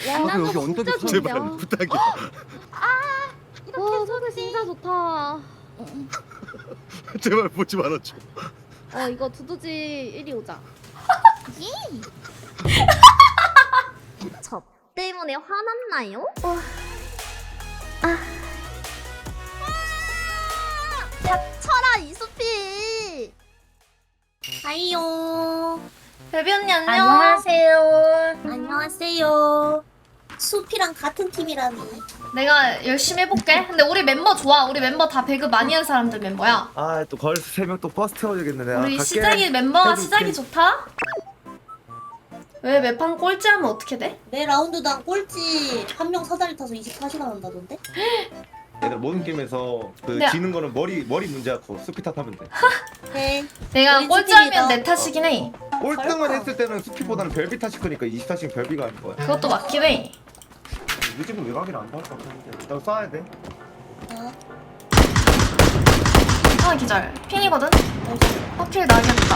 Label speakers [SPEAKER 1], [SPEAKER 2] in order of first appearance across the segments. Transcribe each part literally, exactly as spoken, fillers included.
[SPEAKER 1] 야,
[SPEAKER 2] 아,
[SPEAKER 1] 나도
[SPEAKER 2] 여기 언덕에
[SPEAKER 1] 진짜
[SPEAKER 2] 있어.
[SPEAKER 1] 좋은데요?
[SPEAKER 2] 제발 부탁이야.
[SPEAKER 1] 와, 소리 진짜 좋다.
[SPEAKER 2] 제발 보지 말아줘.
[SPEAKER 1] 어, 이거 두두지 이리 오자. 저 때문에 화났나요? 어. 아. 닥쳐라 이수피.
[SPEAKER 3] 하이요.
[SPEAKER 1] 베비 언니 안녕.
[SPEAKER 3] 안녕하세요. 안녕하세요. 수피랑 같은 팀이라니.
[SPEAKER 1] 내가 열심히 해볼게. 근데 우리 mem버 좋아. 우리 멤버 다 배그 많이 한 사람들 멤버야.
[SPEAKER 4] 아 또 걸스 세 명 또 버스 태워야겠네. 내가
[SPEAKER 1] 우리
[SPEAKER 4] 갈게.
[SPEAKER 1] 시작이 멤버가
[SPEAKER 4] 해줄게.
[SPEAKER 1] 시작이 좋다. 왜 매판 꼴찌하면 어떻게 돼?
[SPEAKER 3] 매 라운드당 꼴찌 한 명 사다리 타서 이십사 시간 한다던데?
[SPEAKER 4] 얘들 모든 게임에서 그
[SPEAKER 1] 네.
[SPEAKER 4] 지는 거는 머리 머리 문제였고 스피 탓하면 돼.
[SPEAKER 3] 네.
[SPEAKER 1] 내가
[SPEAKER 3] 우리
[SPEAKER 1] 꼴찌하면
[SPEAKER 3] 팀이다.
[SPEAKER 1] 내 탓이긴 해.
[SPEAKER 4] 꼴등만
[SPEAKER 3] 설마.
[SPEAKER 4] 했을 때는 스피보다는 별비 탓일 거니까 이십사 시간 별비가 아닌 거야.
[SPEAKER 1] 그것도 맞긴 해.
[SPEAKER 4] 요즘은 외곽이라 안 나올 것 같은데. 너 쏴야 돼.
[SPEAKER 3] 어,
[SPEAKER 1] 하나 기절. 핑이거든? 확킬 나겠다.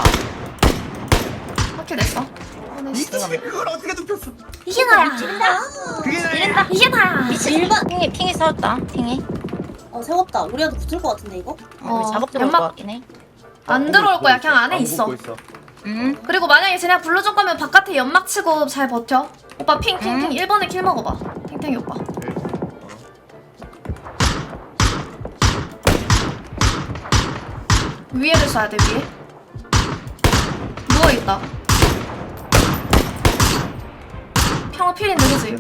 [SPEAKER 1] 확킬 냈어. 어, 네, 진짜.
[SPEAKER 4] 그걸 어떻게 눕혔어?
[SPEAKER 1] 이게 나야.
[SPEAKER 4] 그게 나야.
[SPEAKER 1] 이게 나야.
[SPEAKER 3] 일반.
[SPEAKER 5] 핑이 핑이 싸웠다. 핑이.
[SPEAKER 3] 어, 세웠다. 우리한테 붙을 것 같은데 이거?
[SPEAKER 1] 어,
[SPEAKER 5] 우리 작업 들어올 것
[SPEAKER 1] 연막
[SPEAKER 5] 같긴 해.
[SPEAKER 1] 안 들어올 거야. 그냥 안에
[SPEAKER 4] 안
[SPEAKER 1] 있어.
[SPEAKER 4] 붙고 있어.
[SPEAKER 5] 음.
[SPEAKER 1] 그리고 만약에 쟤네가 불러줄 거면 바깥에 연막 치고 잘 버텨. 오빠 핑, 핑, 핑.
[SPEAKER 5] 음.
[SPEAKER 1] 일 번에 킬 먹어봐. 탱탱이 오빠. 위에를 쏴야 돼, 위에. 누워있다. 평화 필인데, 그지?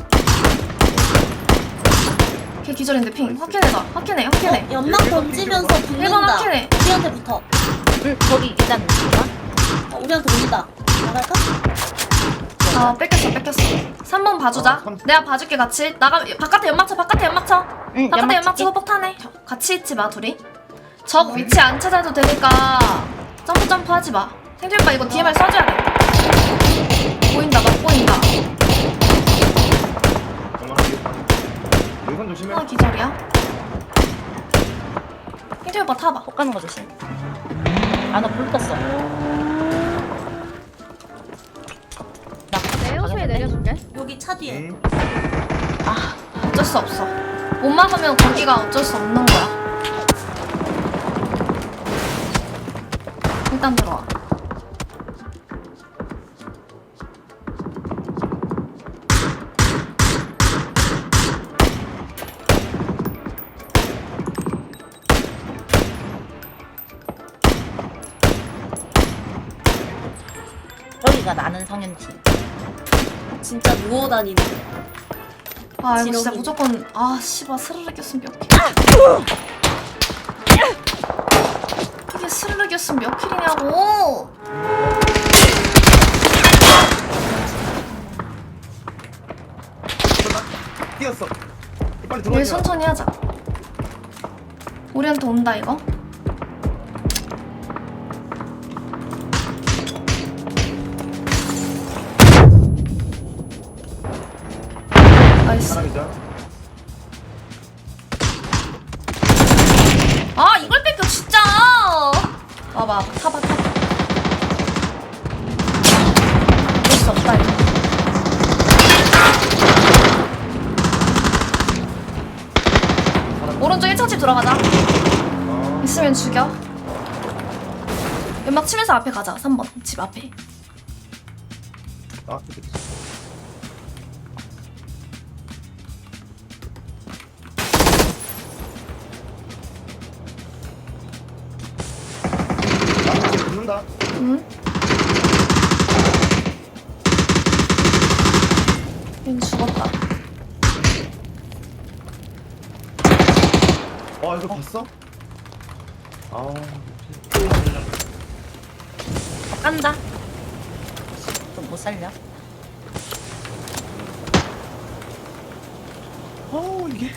[SPEAKER 1] 걔 기절인데, 핑. 확킬해자. 확킬해, 확킬해.
[SPEAKER 3] 어, 연막 던지면서
[SPEAKER 1] 일 번
[SPEAKER 3] 붙는다.
[SPEAKER 1] 확킬해.
[SPEAKER 3] 우리한테 붙어.
[SPEAKER 5] 응. 거기 일단 누가?
[SPEAKER 3] 어, 우리한테 붙는다. 나갈까?
[SPEAKER 1] 아, 뺏겼어, 뺏겼어. 삼 번 봐주자.
[SPEAKER 4] 어, 삼-
[SPEAKER 1] 내가 봐줄게, 같이. 나가, 바깥에 연막 쳐, 바깥에 연막 쳐.
[SPEAKER 5] 응.
[SPEAKER 1] 바깥에 연막
[SPEAKER 5] 연막
[SPEAKER 1] 치고 폭탄해. 같이 있지 마, 둘이. 적 위치 안 찾아도 되니까 점프 점프 하지 마. 생존 오빠 이거 디엠알 써줘야 돼. 보인다, 막 보인다.
[SPEAKER 4] 여기선 조심해.
[SPEAKER 1] 하나 기절이야. 생존 오빠 타봐.
[SPEAKER 5] 폭 가는 거 조심. 아나 불 떴어. 나
[SPEAKER 1] 내 호수에 내려줄게.
[SPEAKER 3] 여기 차 뒤에.
[SPEAKER 4] 응.
[SPEAKER 1] 어쩔 수 없어. 못 막으면 거기가 어쩔 수 없는 거야. 일단 들어와.
[SPEAKER 5] 여기가 나는 성현팀.
[SPEAKER 3] 진짜 누워 다니는.
[SPEAKER 1] 아 이거 진짜
[SPEAKER 3] 지렁이.
[SPEAKER 1] 무조건 아 씨발 스르르 꼈으면 몇 킬. 이게 스르르 꼈으면 몇 킬이냐고.
[SPEAKER 4] 뛰었어. 빨리
[SPEAKER 1] 일
[SPEAKER 4] 들어와.
[SPEAKER 1] 천천히 하자. 우리한테 온다 이거. 나이스.
[SPEAKER 4] 사람이자.
[SPEAKER 1] 아 이걸 뺏겨 진짜. 와봐 타봐 타봐. 어쩔 수 없다 이거. 오른쪽 일 차 집 들어가자.
[SPEAKER 4] 어.
[SPEAKER 1] 있으면 죽여. 연막 치면서 앞에 가자. 삼 번 집 앞에.
[SPEAKER 4] 아, 그치. 아, 이제 붙는다.
[SPEAKER 1] 응? 얘는 죽었다.
[SPEAKER 4] 어, 이거 봤어? 아,
[SPEAKER 5] 더 깐다. 좀 못 살려.
[SPEAKER 4] 어, 이게.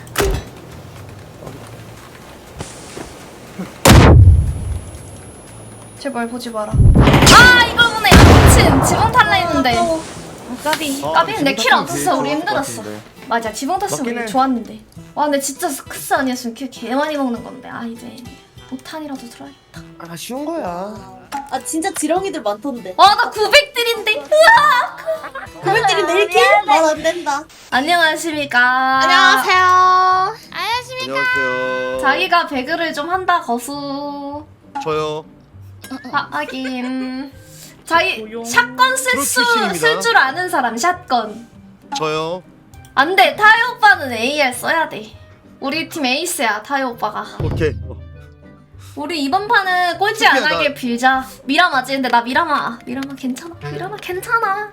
[SPEAKER 1] 제발 보지 마라. 아 이걸 보네. 미친 지붕 탈라 했는데.
[SPEAKER 3] 아까워.
[SPEAKER 1] 까비.
[SPEAKER 4] 아,
[SPEAKER 1] 까비는 내
[SPEAKER 4] 지붕
[SPEAKER 1] 킬
[SPEAKER 4] 탔으면
[SPEAKER 1] 없었어.
[SPEAKER 4] 제일
[SPEAKER 1] 우리
[SPEAKER 4] 좋을 것
[SPEAKER 1] 힘들었어.
[SPEAKER 4] 같은데.
[SPEAKER 1] 맞아 지붕 탔으면
[SPEAKER 4] 맞긴
[SPEAKER 1] 우리
[SPEAKER 4] 해.
[SPEAKER 1] 좋았는데. 와 근데 진짜 스크스 아니었으면 킬 개 많이 먹는 건데. 아 이제 오탄이라도 들어야겠다.
[SPEAKER 4] 아, 쉬운 거야.
[SPEAKER 3] 아 진짜 지렁이들 많던데.
[SPEAKER 1] 와 나 구백 딜인데. 으악.
[SPEAKER 3] 고백들이 내일 킬? 말안 된다.
[SPEAKER 1] 안녕하십니까.
[SPEAKER 2] 안녕하세요.
[SPEAKER 6] 안녕하세요.
[SPEAKER 1] 자기가 배그를 좀 한다 거수.
[SPEAKER 6] 저요.
[SPEAKER 1] 아, 하긴. 자기
[SPEAKER 3] 조용.
[SPEAKER 1] 샷건 쓸
[SPEAKER 6] 프로
[SPEAKER 1] 수
[SPEAKER 6] 출신입니다.
[SPEAKER 1] 쓸 줄 아는 사람 샷건.
[SPEAKER 6] 저요.
[SPEAKER 1] 안 돼. 타요 오빠는 에이알 써야 돼. 우리 팀 에이스야 타요 오빠가.
[SPEAKER 6] 오케이. 어.
[SPEAKER 1] 우리 이번 판은 꼴찌 안
[SPEAKER 6] 특이하다.
[SPEAKER 1] 하게 빌자. 미라마지. 근데 나 미라마. 미라마 괜찮아. 미라마 괜찮아.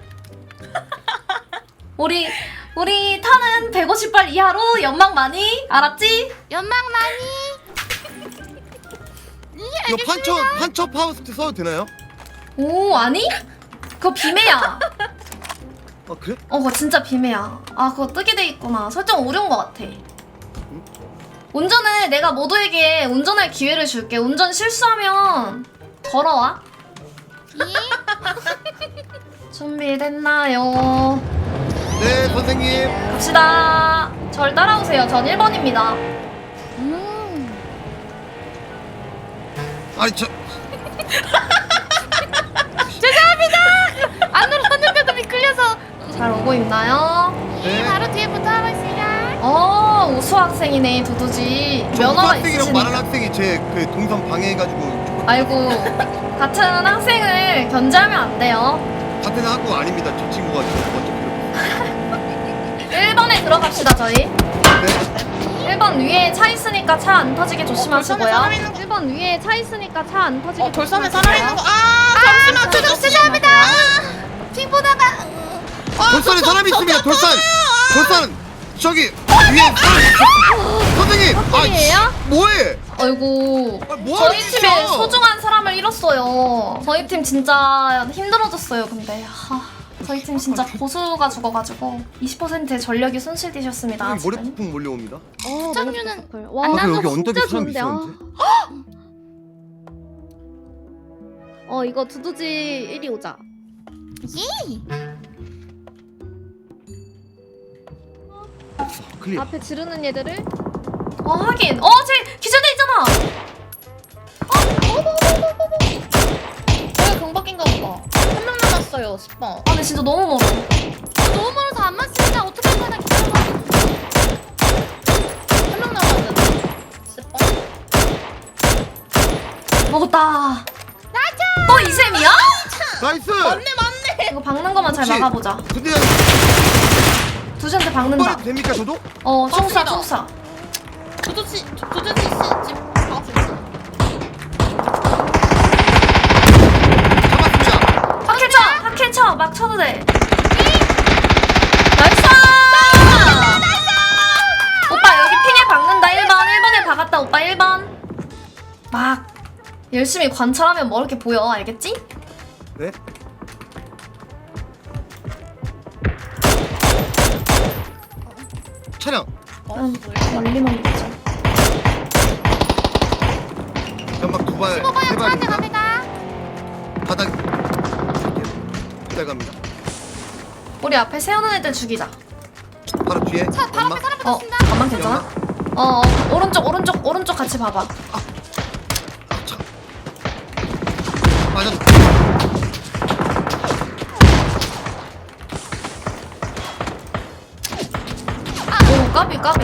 [SPEAKER 1] 우리 우리 타는 백오십 발 이하로 연막 많이 알았지?
[SPEAKER 2] 연막 많이. 예,
[SPEAKER 6] 이거 판처 판처 파우스트 써도 되나요?
[SPEAKER 1] 오 아니? 그거 비매야.
[SPEAKER 6] 아 그래?
[SPEAKER 1] 어 그거 진짜 비매야. 아 그거 뜨게 돼 있구나. 설정 오류인 것 같아. 운전을 내가 모두에게 운전할 기회를 줄게. 운전 실수하면 걸어와. 준비됐나요?
[SPEAKER 6] 네 선생님.
[SPEAKER 1] 갑시다. 절 따라오세요. 전 일 번입니다.
[SPEAKER 2] 음.
[SPEAKER 6] 아니 저
[SPEAKER 2] 안 눌렀는데도 미끌려서.
[SPEAKER 1] 잘 오고 있나요?
[SPEAKER 2] 예,
[SPEAKER 6] 네.
[SPEAKER 2] 바로 뒤에부터 하고 있습니다.
[SPEAKER 1] 어 우수 학생이네 두두지.
[SPEAKER 6] 저
[SPEAKER 1] 면허가
[SPEAKER 6] 학생이랑 말하는
[SPEAKER 1] 있으시니까.
[SPEAKER 6] 학생이 제 그 동선 방해해가지고
[SPEAKER 1] 아이고 같은 학생을 견제하면 안 돼요.
[SPEAKER 6] 같은 학교 아닙니다. 저 친구가 저 먼저
[SPEAKER 1] 일 번에 들어갑시다 저희.
[SPEAKER 6] 네.
[SPEAKER 1] 일 번 위에 차 있으니까 차 안 터지게 조심하시고요.
[SPEAKER 3] 돌산에 사람 있는 거.
[SPEAKER 1] 일 번 위에 차 있으니까 차 안 터지게
[SPEAKER 3] 어, 돌산에
[SPEAKER 1] 조심하시고요.
[SPEAKER 3] 사람 있는 거. 아, 잠시만.
[SPEAKER 2] 저 죄송합니다. 핑 보다가.
[SPEAKER 6] 돌산에 사람이 있습니다. 돌산. 돌산 저기 위에 사람 있어. 선생님.
[SPEAKER 1] 헛소리예요?
[SPEAKER 6] 아 씨, 뭐해?
[SPEAKER 1] 아이고
[SPEAKER 6] 아, 뭐하는
[SPEAKER 1] 저희
[SPEAKER 6] 짓이야?
[SPEAKER 1] 팀에 소중한 사람을 잃었어요. 저희 팀 진짜 힘들어졌어요. 근데 하, 저희 팀 진짜 고수가 죽어가지고 이십 퍼센트의 전력이 손실되셨습니다.
[SPEAKER 6] 머리
[SPEAKER 1] 지금.
[SPEAKER 6] 폭풍 몰려옵니다.
[SPEAKER 2] 시청률은
[SPEAKER 1] 와,
[SPEAKER 6] 아, 그
[SPEAKER 2] 나도
[SPEAKER 6] 여기 언덕에
[SPEAKER 1] 진짜
[SPEAKER 6] 사람
[SPEAKER 1] 좋은데, 아.
[SPEAKER 6] 있었는데.
[SPEAKER 1] 어 이거 두두지 이리 오자.
[SPEAKER 2] 예.
[SPEAKER 6] 클리어.
[SPEAKER 1] 앞에 지르는 얘들을. 어 하긴. 어쟤 기절돼 있잖아.
[SPEAKER 3] 저희 경박인가 보다. 한 명 남았어요. 십 번.
[SPEAKER 1] 아 근데 진짜 너무 멀어.
[SPEAKER 2] 너무 멀어서 안 맞습니다. 어떻게 하나 기다려봐.
[SPEAKER 3] 한 명 남았는데. 십 번.
[SPEAKER 1] 먹었다. 나자. 또 이셈이야?
[SPEAKER 6] 나이스.
[SPEAKER 3] 맞네, 맞네.
[SPEAKER 1] 이거 박는 것만 잘
[SPEAKER 6] 혹시-
[SPEAKER 1] 막아보자.
[SPEAKER 6] 근데
[SPEAKER 1] 두지한테 박는다.
[SPEAKER 6] 빨리 됩니까 저도?
[SPEAKER 1] 어 총사
[SPEAKER 3] 맞습니다.
[SPEAKER 1] 총사.
[SPEAKER 3] 두두씨, 두두씨 씨 지금 나왔어요.
[SPEAKER 6] 잡았습니다.
[SPEAKER 1] 하킬 쳐! 하킬 쳐! 막 쳐도 돼. 나이스! 오빠 여기 핑에 박는다. 일 번. 일 번에 박았다. 오빠 일 번. 막 열심히 관찰하면 뭐 이렇게 보여. 알겠지?
[SPEAKER 6] 네. 차량.
[SPEAKER 1] 응. 멀리만 보자.
[SPEAKER 6] 연막 두 발,
[SPEAKER 2] 십오 번에
[SPEAKER 6] 세
[SPEAKER 2] 저한테
[SPEAKER 6] 발입니다.
[SPEAKER 2] 갑니다.
[SPEAKER 6] 바닥. 기다려 갑니다.
[SPEAKER 1] 우리 앞에 세우는 애들 죽이자.
[SPEAKER 6] 바로 뒤에.
[SPEAKER 2] 차 바로
[SPEAKER 6] 연막.
[SPEAKER 2] 앞에 사람
[SPEAKER 1] 어,
[SPEAKER 2] 붙었습니다.
[SPEAKER 1] 가만 괜찮아? 어, 어, 오른쪽, 오른쪽, 오른쪽 같이 봐봐.
[SPEAKER 6] 아, 차. 맞아.
[SPEAKER 1] 오, 까비, 까비.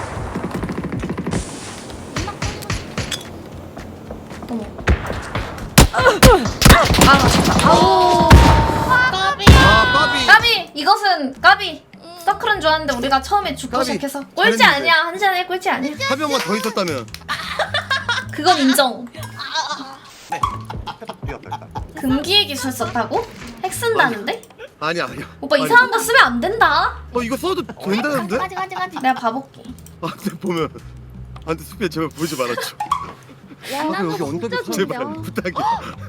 [SPEAKER 1] 어머. 아, 맞다. 아우.
[SPEAKER 3] 까비.
[SPEAKER 6] 아, 빠비.
[SPEAKER 1] 까비! 이것은 까비! 서클은 좋았는데 우리가 처음에 죽고
[SPEAKER 6] 까비.
[SPEAKER 1] 시작해서 꼴찌
[SPEAKER 6] 잘했는데.
[SPEAKER 1] 아니야. 한 시간에 꼴찌 아니야.
[SPEAKER 6] 한 명만 더 있었다면.
[SPEAKER 1] 그건 인정.
[SPEAKER 4] 앞에서 뛰었다 일단.
[SPEAKER 1] 금기의 기술 썼다고? 핵 쓴다는데?
[SPEAKER 6] 아니야, 아니야.
[SPEAKER 1] 오빠
[SPEAKER 6] 아니,
[SPEAKER 1] 이상한 거 쓰면 안 된다.
[SPEAKER 6] 어, 이거 써도 된다는데?
[SPEAKER 2] 가지 가지 가지.
[SPEAKER 1] 내가 봐볼게.
[SPEAKER 6] 아, 근데 보면. 안 돼, 수비야, 제발 보지 말아줘. 아, 그 여기 언덕에 서 제발 부탁이야.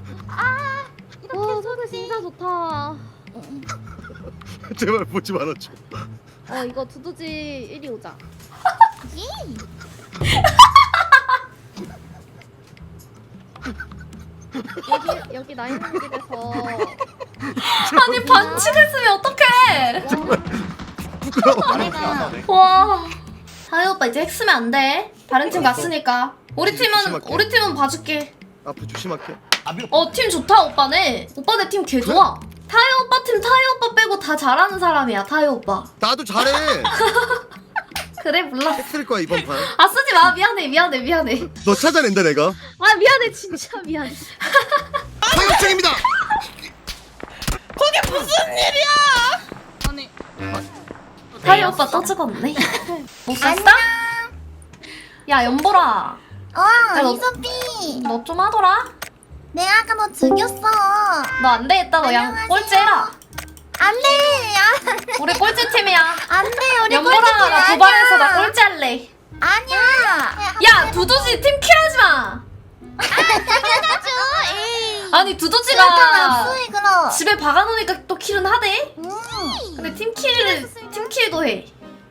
[SPEAKER 1] 와, 소리 진짜 좋다.
[SPEAKER 6] 제발 보지 말아줘.
[SPEAKER 1] 어, 이거 두두지 이리 오자. 여기 여기 나 있는 집에서 아니 반칙했으면 어떡해.
[SPEAKER 6] 부끄러워.
[SPEAKER 3] 내가
[SPEAKER 1] 와 다혜 오빠 이제 핵 쓰면 안 돼. 다른 팀 갔으니까. 우리 팀은
[SPEAKER 6] 조심할게.
[SPEAKER 1] 우리 팀은 봐줄게.
[SPEAKER 6] 앞으로 조심할게.
[SPEAKER 1] 어 팀 좋다 오빠네. 오빠네 팀 개 좋아. 타요 오빠 팀 타요 오빠 빼고 다 잘하는 사람이야 타요 오빠.
[SPEAKER 6] 나도 잘해.
[SPEAKER 1] 그래 몰라.
[SPEAKER 6] 쓸 거야 이번 판.
[SPEAKER 1] 아 쓰지 마 미안해 미안해 미안해.
[SPEAKER 6] 너 찾아낸다 내가.
[SPEAKER 1] 아 미안해 진짜 미안해.
[SPEAKER 6] 사격중입니다.
[SPEAKER 2] 아니
[SPEAKER 1] 타요 오빠 또 죽었네. 못 썼어? 야 연보라.
[SPEAKER 3] 어,
[SPEAKER 1] 너-
[SPEAKER 3] 이소피.
[SPEAKER 1] 너 좀 하더라.
[SPEAKER 3] 내가 아까 너 죽였어.
[SPEAKER 1] 너 안 되겠다 너 그냥
[SPEAKER 3] 안녕하세요.
[SPEAKER 1] 꼴찌해라.
[SPEAKER 3] 안 돼. 야,
[SPEAKER 1] 우리 꼴찌 팀이야.
[SPEAKER 3] 안 돼. 우리
[SPEAKER 1] 연보라가 나
[SPEAKER 3] 꼴찌팀
[SPEAKER 1] 도발해서 나
[SPEAKER 3] 아니야.
[SPEAKER 1] 꼴찌 할래.
[SPEAKER 3] 아니야.
[SPEAKER 1] 야 두두지 팀 킬하지 마.
[SPEAKER 2] 당연하죠. 에이.
[SPEAKER 1] 아니
[SPEAKER 3] 그렇다면
[SPEAKER 1] 두두지가
[SPEAKER 3] 수이 그럼.
[SPEAKER 1] 집에 박아놓으니까 또 킬은 하대.
[SPEAKER 3] 음.
[SPEAKER 1] 근데 팀 킬을 팀 킬도 해.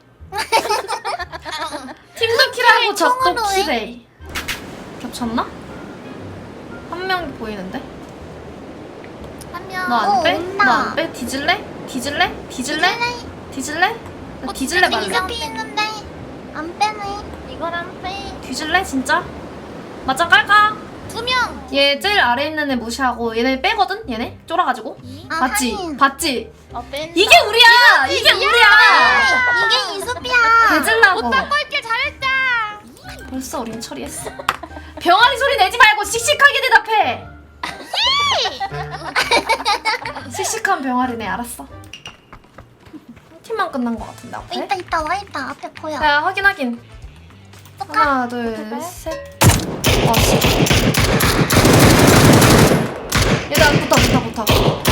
[SPEAKER 1] 팀도 킬하고 적도
[SPEAKER 3] 총으로 해?
[SPEAKER 1] 킬해. 겹쳤나? 한 명 보이는데?
[SPEAKER 2] 한 명.
[SPEAKER 1] 너 안
[SPEAKER 3] 어,
[SPEAKER 1] 빼?
[SPEAKER 3] 온다.
[SPEAKER 1] 너 안 빼? 뒤질래? 뒤질래? 뒤질래? 뒤질래? 나
[SPEAKER 2] 어,
[SPEAKER 1] 뒤질래 말래?
[SPEAKER 3] 이소피 있는데 안 빼네.
[SPEAKER 2] 이걸 안 빼.
[SPEAKER 1] 뒤질래 진짜? 맞짱 깔까?
[SPEAKER 2] 두 명.
[SPEAKER 1] 얘 제일 아래 있는 애 무시하고 얘네 빼거든? 얘네? 쫄아가지고
[SPEAKER 3] 아,
[SPEAKER 1] 봤지?
[SPEAKER 3] 하긴.
[SPEAKER 1] 봤지?
[SPEAKER 2] 어 뺀다.
[SPEAKER 1] 이게 우리야! 이게 우리야!
[SPEAKER 3] 이게 이소피야.
[SPEAKER 1] 대질라고
[SPEAKER 2] 오빠 꼴길 잘했다.
[SPEAKER 1] 벌써 우린 처리했어. 병아리 소리 내지 말고 씩씩하게 대답해. 씩씩한 병아리네 알았어. 한 팀만 끝난 것 같은데 앞에.
[SPEAKER 3] 있다 있다 와 있다 앞에 보여.
[SPEAKER 1] 야 확인 확인.
[SPEAKER 3] 또 가.
[SPEAKER 1] 하나 둘 셋. 와 씨. 얘들아 붙어 붙어 붙어.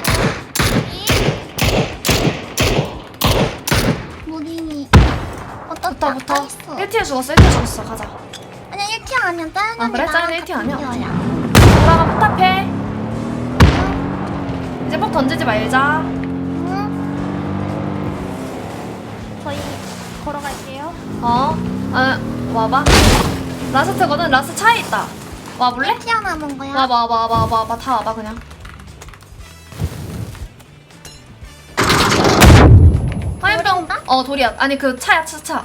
[SPEAKER 3] 무딘이.
[SPEAKER 1] 붙어
[SPEAKER 3] 어떻다
[SPEAKER 1] 붙어.
[SPEAKER 3] 있어.
[SPEAKER 1] 일 티에 죽었어 일 티에 죽었어 가자.
[SPEAKER 3] 아니야 일 티 아니야 다른
[SPEAKER 1] 아, 그래?
[SPEAKER 3] 애랑
[SPEAKER 1] 다른 일 티 아니야?
[SPEAKER 3] 같은 거야.
[SPEAKER 1] 돌아가 포탑해. 이제 폭 던지지 말자.
[SPEAKER 3] 응?
[SPEAKER 2] 저희 걸어갈게요.
[SPEAKER 1] 어? 아 와봐. 라스트거든 라스트 차에 있다. 와볼래?
[SPEAKER 3] 일 티 남은 거야.
[SPEAKER 1] 와봐 와봐 와봐 와봐 와봐 다 와봐 그냥. 화염병
[SPEAKER 3] 돌인가?
[SPEAKER 1] 어 돌이야. 아니 그 차야 차 차.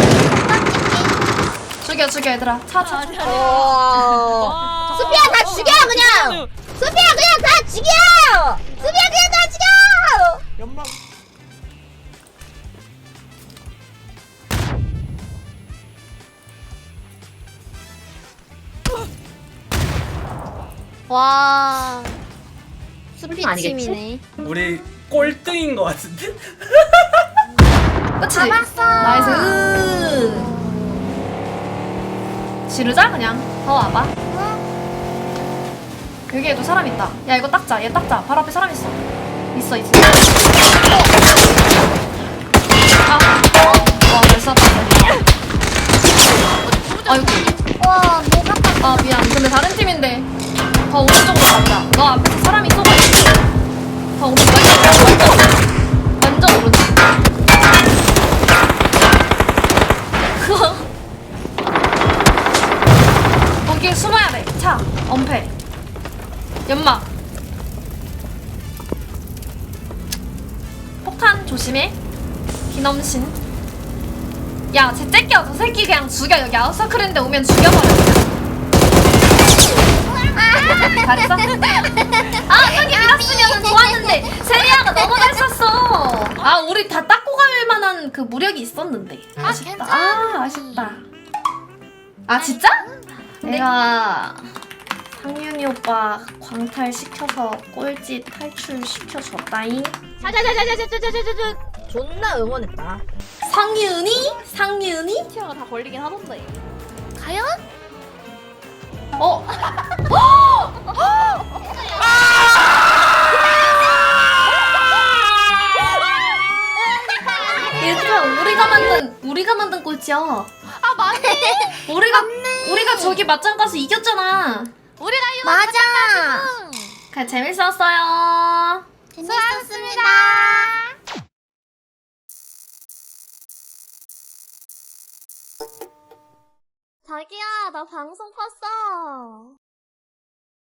[SPEAKER 1] 죽여 죽여 얘들아. 차 차. 차.
[SPEAKER 2] 수피야
[SPEAKER 3] 다 죽여 그냥. 수피야 그냥 다 죽여. 수피야 그냥 다 죽여.
[SPEAKER 4] 연막.
[SPEAKER 2] 와. 수피
[SPEAKER 5] 아니겠지?
[SPEAKER 2] 팀이네.
[SPEAKER 7] 우리 꼴등인 것 같은데?
[SPEAKER 1] 그치?
[SPEAKER 3] 잡았어.
[SPEAKER 1] 나이스. 지르자 그냥. 더 와봐. 여기에도 사람 있다. 야 이거 닦자. 얘 닦자. 바로 앞에 사람 있어. 있어 있어. 아. 와, 잘 쐈다. 아이고.
[SPEAKER 3] 와 뭐가 딱.
[SPEAKER 1] 아 미안. 근데 다른 팀인데 더 오른쪽으로 가자. 너 앞에서 사람이 있어가지고 더 오른쪽 완전 완전 완전 오른쪽. 그거 거기에 숨어야 돼. 차 엄폐 연막 폭탄 조심해. 기넘신. 야, 쟤 째껴. 저 새끼 그냥 죽여. 여기 아웃서클인데 오면 죽여버려. 그냥. 잘했어? 아, 여기 밀었으면 좋았는데. 세리아가 너무 잘 쐈어. 아, 우리 다 닦고 갈 만한 그 무력이 있었는데. 아쉽다. 아, 아쉽다. 아, 진짜? 내가 상윤이 오빠 광탈 시켜서 꼴찌 탈출 시켜줬다잉.
[SPEAKER 2] 자자자자자자자자자자.
[SPEAKER 5] 존나 응원했다.
[SPEAKER 1] 상윤이? 상윤이?
[SPEAKER 2] 티어가 다 걸리긴 하던데. 과연?
[SPEAKER 1] 어? 얘들아 우리가 만든 우리가 만든 꼴찌야.
[SPEAKER 2] 아 맞네.
[SPEAKER 1] 우리가 우리가 저기 맞짱 가서 이겼잖아.
[SPEAKER 2] 우리가 이거
[SPEAKER 3] 맞아.
[SPEAKER 1] 그래 재밌었어요.
[SPEAKER 3] 재밌었습니다.
[SPEAKER 2] 자기야 나 방송 봤어.